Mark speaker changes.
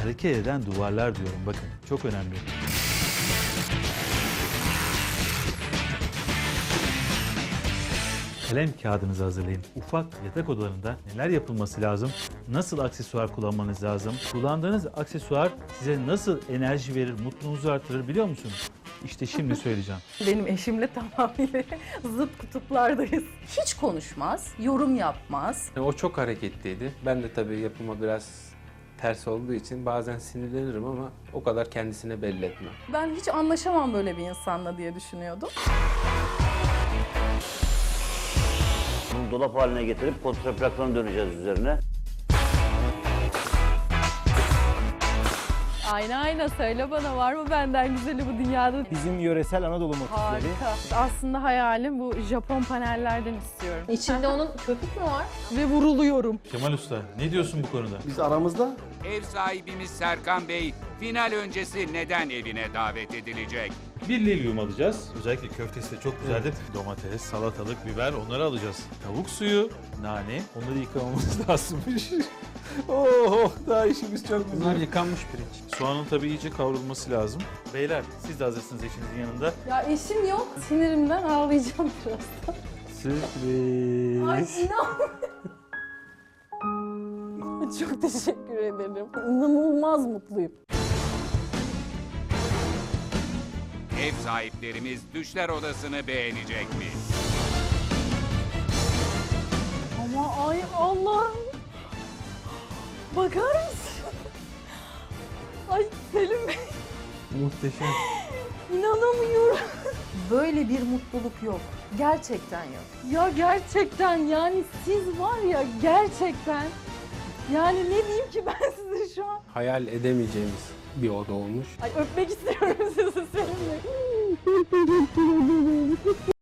Speaker 1: hareket eden duvarlar diyorum. Bakın çok önemli. Kalem kağıdınızı hazırlayın. Ufak yatak odalarında neler yapılması lazım? Nasıl aksesuar kullanmanız lazım? Kullandığınız aksesuar size nasıl enerji verir, mutluluğunuzu artırır biliyor musunuz? İşte şimdi söyleyeceğim.
Speaker 2: Benim eşimle tamamıyla zıt kutuplardayız. Hiç konuşmaz, yorum yapmaz.
Speaker 3: O çok hareketliydi. Ben de tabii yapıma biraz ters olduğu için bazen sinirlenirim ama o kadar kendisine belli etmem.
Speaker 2: Ben hiç anlaşamam böyle bir insanla diye düşünüyordum.
Speaker 4: Bunu dolap haline getirip kontraplaksona döneceğiz üzerine.
Speaker 2: Ayna söyle bana, var mı benden güzeli bu dünyada?
Speaker 5: Bizim yöresel Anadolu motifleri.
Speaker 2: Harika. Aslında hayalim bu Japon panellerden istiyorum. İçinde onun köpük mü var? Ve vuruluyorum.
Speaker 1: Kemal Usta ne diyorsun bu konuda?
Speaker 5: Biz aramızda
Speaker 6: Ev sahibimiz Serkan Bey, final öncesi neden evine davet edilecek?
Speaker 1: Bir lilyum alacağız. Özellikle köftesi de çok güzeldir. Domates, salatalık, biber onları alacağız. Tavuk suyu, nane onları yıkamamız lazımmış.
Speaker 5: oh daha işimiz çok güzel.
Speaker 3: Bunlar yıkanmış pirinç.
Speaker 1: Soğanın tabii iyice kavrulması lazım. Beyler siz de hazırsınız eşinizin yanında.
Speaker 2: Ya eşim yok. Sinirimden ağlayacağım birazdan.
Speaker 1: Sürpriz.
Speaker 2: Ay inan. Çok teşekkür ederim. İnanılmaz mutluyum.
Speaker 6: Ev sahiplerimiz düşler odasını beğenecek mi?
Speaker 2: Ama ay Allah'ım. Bakar mısın? Ay Selim Bey.
Speaker 3: Muhteşem.
Speaker 2: İnanamıyorum. Böyle bir mutluluk yok. Gerçekten yok. Ya gerçekten yani siz var ya gerçekten. Yani ne diyeyim ki ben size şu an?
Speaker 3: Hayal edemeyeceğimiz bir oda olmuş.
Speaker 2: Ay öpmek istiyorum sizi Selim Bey.